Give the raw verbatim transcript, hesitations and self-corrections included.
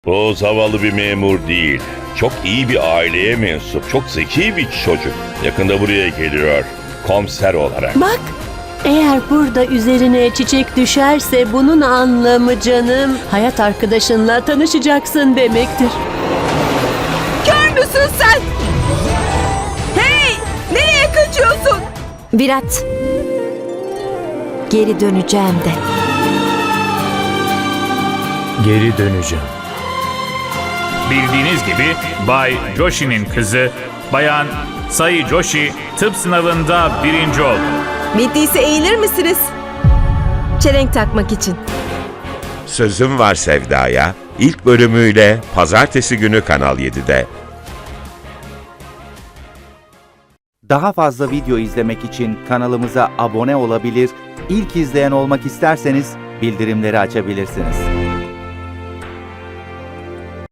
O zavallı bir memur değil. Çok iyi bir aileye mensup, çok zeki bir çocuk. Yakında buraya geliyor, komiser olarak. Bak, eğer burada üzerine çiçek düşerse bunun anlamı canım, hayat arkadaşınla tanışacaksın demektir. Kör müsün sen? Hey! Nereye kaçıyorsun? Virat. Geri döneceğim de. Geri döneceğim. Bildiğiniz gibi Bay Joshi'nin kızı Bayan Sai Joshi tıp sınavında birinci oldu. Bittiyse eğilir misiniz? Çelenk takmak için. Sözüm Var Sevda'ya ilk bölümüyle pazartesi günü Kanal yedide. Daha fazla video izlemek için kanalımıza abone olabilir, ilk izleyen olmak isterseniz bildirimleri açabilirsiniz.